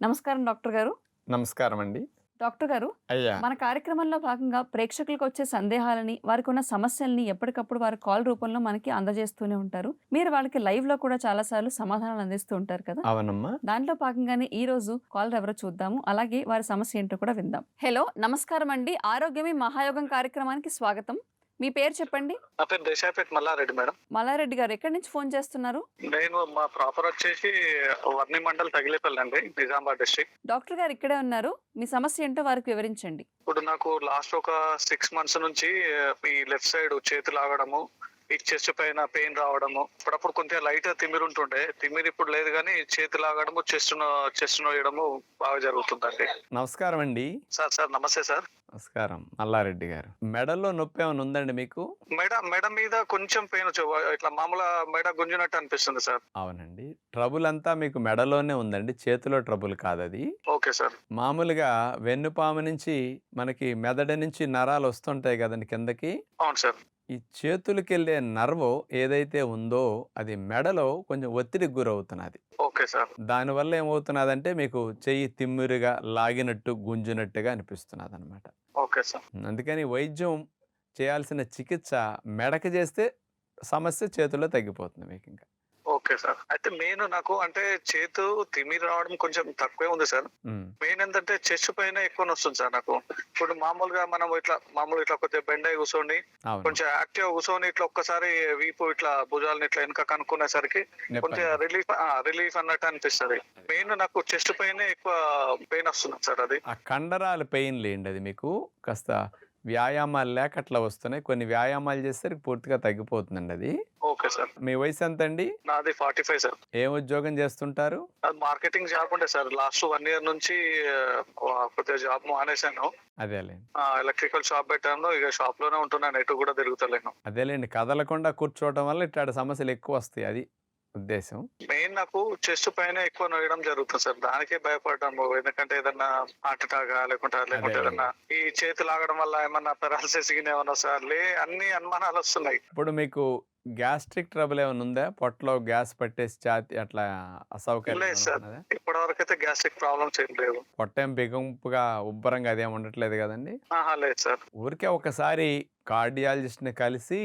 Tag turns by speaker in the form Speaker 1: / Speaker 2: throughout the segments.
Speaker 1: నమస్కారం డాక్టర్ గారు.
Speaker 2: నమస్కారం అండి.
Speaker 1: డాక్టర్ గారు,
Speaker 2: అయ్యా!
Speaker 1: మన కార్యక్రమంలో భాగంగా ప్రేక్షకులకొచ్చే సందేహాలని, వారికున్న సమస్యల్ని ఎప్పటికప్పుడు వారు కాల్ రూపంలో మనకి అందజేస్తూనే ఉంటారు. మీరు వాళ్ళకి లైవ్‌లో కూడా చాలా సార్లు సమాధానాలు అందిస్తూ ఉంటారు కదా!
Speaker 2: అవునమ్మా.
Speaker 1: దాంట్లో భాగంగానే ఈరోజు కాలర్ ఎవరో చూద్దాము. అలాగే వారి సమస్య ఏంటో కూడా విందాం. హలో! నమస్కారం అండి. ఆరోగ్యమే మహాయోగం కార్యక్రమానికి స్వాగతం. మీ పేరు చెప్పండి?
Speaker 3: నా పేరు దేశాయపేట మల్లారెడ్డి మేడం.
Speaker 1: మల్లారెడ్డి గారు ఎక్కడి నుంచి ఫోన్ చేస్తున్నారు?
Speaker 3: నేను మా ప్రాపర్ వచ్చేసి వర్ని మండల్ తగిలేపల్లి అండి, నిజామాబాద్ డిస్ట్రిక్ట్.
Speaker 1: డాక్టర్ గారు ఇక్కడే ఉన్నారు. మీ సమస్య ఏంటో వారికి వివరించండి.
Speaker 3: ఇప్పుడు నాకు లాస్ట్ ఒక 6 months నుంచి ఈ లెఫ్ట్ సైడ్ చేతి లాగడము, ఈ చెస్ట్ పైన పెయిన్ రావడము, అప్పుడప్పుడు కొంచెం లైట్ తిమ్మిరి ఉంటుండే. తిమ్మిరి ఇప్పుడు లేదు కానీ చేతి లాగడము, చెస్ట్ నోయడము బాగా జరుగుతుందండి.
Speaker 2: నమస్కారం అండి.
Speaker 3: సార్ నమస్తే సార్.
Speaker 2: నమస్కారం. మల్లారెడ్డి గారు. మెడలో నొప్పి ఏమైనా ఉందండి మీకు?
Speaker 3: మెడ మీద కొంచెం పెయిన్ ఇట్లా మామూలుగా మెడ గుంజినట్టు అనిపిస్తుంది సార్.
Speaker 2: అవునండి. ట్రబుల్ అంతా మీకు మెడలోనే ఉందండి. చేతిలో ట్రబుల్ కాదది.
Speaker 3: Okay sir.
Speaker 2: మామూలుగా వెన్నుపాము నుంచి మనకి మెదడు నుంచి నరాలు వస్తుంటాయి కదండి కిందకి.
Speaker 3: అవును సార్.
Speaker 2: ఈ చేతులకెళ్ళే నర్వ్ ఏదైతే ఉందో అది మెడలో కొంచెం ఒత్తిడికి గురవుతున్నది.
Speaker 3: Okay sir.
Speaker 2: దానివల్ల ఏమవుతున్నదంటే మీకు చెయ్యి తిమ్మిరిగా లాగినట్టు గుంజినట్టుగా అనిపిస్తున్నదన్నమాట.
Speaker 3: Okay sir.
Speaker 2: అందుకని వైద్యం చేయాల్సిన చికిత్స మెడకి చేస్తే సమస్య చేతుల్లో తగ్గిపోతుంది మీకు ఇంకా.
Speaker 3: Okay sir. అయితే మెయిన్ నాకు అంటే చేతు తిమ్మిరి రావడం కొంచెం తక్కువే ఉంది సార్. మెయిన్ ఏంటంటే చెస్ట్ పైన ఎక్కువ వస్తుంది సార్ నాకు. ఇప్పుడు మామూలుగా మనం ఇట్లా కొద్దిగా బెండ్ అయి కూర్చొని కొంచెం యాక్టివ్ కూర్చొని ఇట్లా ఒక్కసారి వీపు ఇట్లా భుజాలను ఇట్లా వెనక కనుక్కునేసరికి కొంచెం రిలీఫ్ అన్నట్టు అనిపిస్తుంది. మెయిన్ నాకు చెస్ట్ పైన ఎక్కువ పెయిన్ వస్తుంది సార్. అది
Speaker 2: ఆ కండరాల పెయిన్ లేండి, అది మీకు కాస్త వ్యాయామాలు లేక అట్లా వస్తున్నాయి. కొన్ని వ్యాయామాలు చేస్తే పూర్తిగా తగ్గిపోతుందండి అది.
Speaker 3: Okay sir.
Speaker 2: మీ వయసు ఎంత అండి?
Speaker 3: నాది 45 సార్.
Speaker 2: ఏం ఉద్యోగం చేస్తుంటారు?
Speaker 3: అది మార్కెటింగ్ జాబ్ ఉండే సార్. లాస్ట్ 1 year నుంచి కొద్దిగా జాబ్ మానేశాను.
Speaker 2: అదేలేండి.
Speaker 3: ఎలక్ట్రికల్ షాప్ పెట్టాను. ఇక షాప్ లోనే ఉంటున్నాను, ఎటు కూడా తిరుగుతలేను.
Speaker 2: అదేలేండి, కదలకుండా కూర్చోవటం వల్ల ఇట్లాంటి సమస్యలు ఎక్కువ వస్తాయి, అది ఉద్దేశం.
Speaker 3: మెయిన్ నాకు చెస్ట్ పైన ఎక్కువ నొయ్యడం జరుగుతుంది సార్. దానికే భయపడ్డాము. ఎందుకంటే ఏదన్నా హార్ట్ అటాక్ లేకుంటే ఏదన్నా ఈ చేతి లాగడం వల్ల ఏమన్నా పెరాలసిస్ ఏమన్నా సార్ అన్ని అనుమానాలు వస్తున్నాయి.
Speaker 2: ఇప్పుడు మీకు గ్యాస్ట్రిక్ ట్రబుల్ ఏమైనా ఉందా? పొట్టలో గ్యాస్ పట్టేసి ఛాతి అట్లా అసౌకర్యం
Speaker 3: లేదు సార్. ఇప్పటి వరకు అయితే గ్యాస్ట్రిక్ ప్రాబ్లమ్స్ ఏం లేవు.
Speaker 2: పొట్టేం బిగింపుగా ఉబ్బరంగా అదేం ఉండట్లేదు కదండి?
Speaker 3: లేదు సార్.
Speaker 2: ఊరికే ఒకసారి కార్డియాలజిస్ట్ ని కలిసి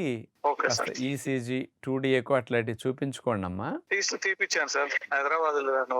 Speaker 2: ఈసీజీ 2D ఎకో అట్లాంటివి చూపించుకోండి అమ్మా.
Speaker 3: తీపిచ్చాను సార్. హైదరాబాద్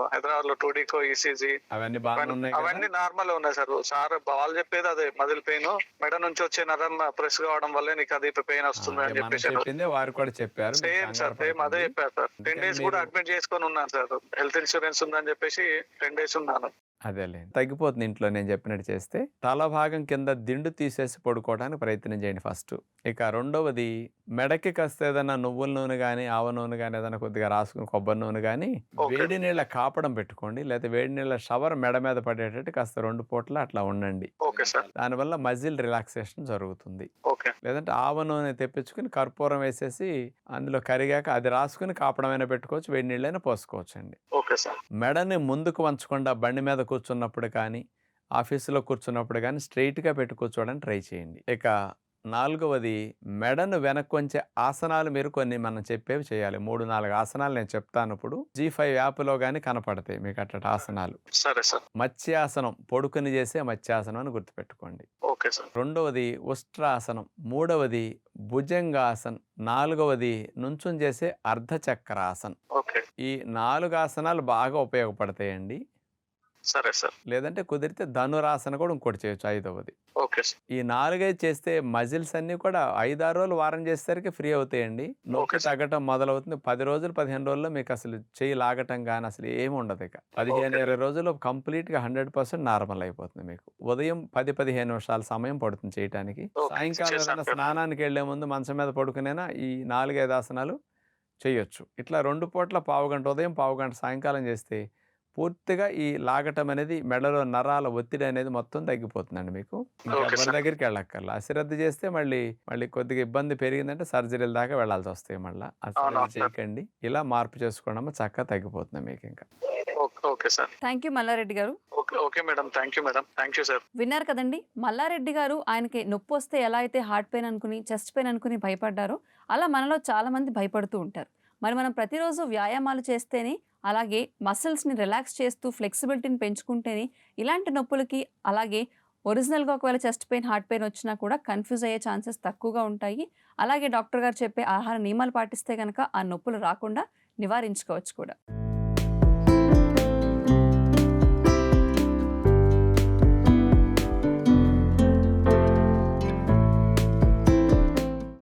Speaker 3: లో 2D ఎకో, ఈసీజీ
Speaker 2: అవన్నీ బాగా ఉన్నాయి.
Speaker 3: అవన్నీ నార్మల్ ఉన్నాయి సార్. వాళ్ళు చెప్పేది అదే మదిలి పెయిన్, మెడ నుంచి వచ్చే నరం ప్రెస్ కావడం వల్లే నీకు అది పెయిన్ వస్తుంది అని చెప్పేసి
Speaker 2: చెప్పింది. వారు కూడా చెప్పారు.
Speaker 3: సేమ్ సార్, సేమ్ అదే చెప్పారు సార్. 10 days కూడా అడ్మిట్ చేసుకొని ఉన్నాను సార్. హెల్త్ ఇన్సూరెన్స్ ఉందని చెప్పేసి 10 days ఉన్నాను.
Speaker 2: అదేలే, తగ్గిపోతుంది ఇంట్లో నేను చెప్పినట్టు చేస్తే. తల భాగం కింద దిండు తీసేసి పడుకోవడానికి ప్రయత్నం చేయండి ఫస్ట్. ఇక రెండవది, మెడకి కాస్త ఏదైనా నువ్వుల నూనె కానీ ఆవ నూనె కానీ ఏదైనా కొద్దిగా రాసుకుని కొబ్బరి నూనె కానీ వేడి నీళ్ళ కాపడం పెట్టుకోండి. లేదా వేడి నీళ్ళ షవర్ మెడ మీద పడేటట్టు కాస్త 2 పూటలు అట్లా ఉండండి. దానివల్ల మజిల్ రిలాక్సేషన్ జరుగుతుంది. లేదంటే ఆవ నూనె తెప్పించుకుని కర్పూరం వేసేసి అందులో కరిగాక అది రాసుకుని కాపడమైనా పెట్టుకోవచ్చు, వేడి నీళ్ళైనా పోసుకోవచ్చు అండి. మెడని ముందుకు వంచకుండా బండి మీద కూర్చున్నప్పుడు కానీ ఆఫీసులో కూర్చున్నప్పుడు కానీ స్ట్రైట్గా పెట్టి కూర్చోవడానికి ట్రై చేయండి. ఇక నాలుగవది, మెడను వెనక్కి వంచే ఆసనాలు మీరు కొన్ని మనం చెప్పేవి చేయాలి. 3-4 ఆసనాలు నేను చెప్తాను. ఇప్పుడు G5 యాప్లో కానీ కనపడతాయి మీకు అట్ట ఆసనాలు.
Speaker 3: సరే సార్.
Speaker 2: మత్స్యాసనం, పొడుకుని చేసే మత్స్యాసనం అని గుర్తుపెట్టుకోండి.
Speaker 3: Okay sir.
Speaker 2: రెండవది ఉష్ట్రాసనం, మూడవది భుజంగాసనం, నాలుగవది నుంచుని చేసే అర్ధచక్రాసనం. ఈ 4 ఆసనాలు బాగా ఉపయోగపడతాయండి.
Speaker 3: సరే సార్.
Speaker 2: లేదంటే కుదిరితే ధనురాసన కూడా ఇంకోటి చేయొచ్చు, 5వది. ఈ 4 చేస్తే మజిల్స్ అన్ని కూడా 5-6 రోజులు వారం చేసేసరికి ఫ్రీ అవుతాయండి. నొప్పి తగ్గటం మొదలవుతుంది. 10 రోజులు 15 రోజుల్లో మీకు అసలు చేయి లాగటం కానీ అసలు ఏమి ఉండదు. ఇక 15-20 రోజుల్లో కంప్లీట్ గా 100% నార్మల్ అయిపోతుంది. మీకు ఉదయం 10-15 నిమిషాల సమయం పడుతుంది చేయటానికి. సాయంకాలం స్నానానికి వెళ్లే ముందు మంచం మీద పడుకునేనా ఈ 4-5 ఆసనాలు చేయొచ్చు. ఇట్లా 2 పూట్ల పావుగంట ఉదయం పావుగంట సాయంకాలం చేస్తే పూర్తిగా ఈ లాగటం అనేది మెడలో నరాల ఒత్తిడి అనేది మొత్తం తగ్గిపోతుందండి. మీకు ఎవరి దగ్గరికి వెళ్ళక్కర్లా. అశ్రద్ధ చేస్తే మళ్ళీ కొద్దిగా ఇబ్బంది పెరిగిందంటే సర్జరీల దాకా వెళ్లాల్సి వస్తాయి. మళ్ళీ అశ్రద్ధ చేయకండి, ఇలా మార్పు చేసుకోవడం చక్కగా తగ్గిపోతుంది మీకు ఇంకా.
Speaker 1: థ్యాంక్ యూ మల్లారెడ్డి గారు.
Speaker 3: Okay madam, thank you madam, thank you sir.
Speaker 1: విన్నారు కదండి, మల్లారెడ్డి గారు ఆయనకి నొప్పి వస్తే ఎలా అయితే హార్ట్ పెయిన్ అనుకుని చెస్ట్ పెయిన్ అనుకుని భయపడ్డారో అలా మనలో చాలా మంది భయపడుతూ ఉంటారు. మరి మనం ప్రతిరోజు వ్యాయామాలు చేస్తేనే, అలాగే మసిల్స్‌ని రిలాక్స్ చేస్తూ ఫ్లెక్సిబిలిటీని పెంచుకుంటేనే ఇలాంటి నొప్పులకి, అలాగే ఒరిజినల్‌గా ఒకవేళ చెస్ట్ పెయిన్, హార్ట్ పెయిన్ వచ్చినా కూడా కన్‌ఫ్యూజ్ అయ్యే ఛాన్సెస్ తక్కువగా ఉంటాయి. అలాగే డాక్టర్ గారు చెప్పే ఆహార నియమాలు పాటిస్తే గనక ఆ నొప్పులు రాకుండా నివారించుకోవచ్చు కూడా.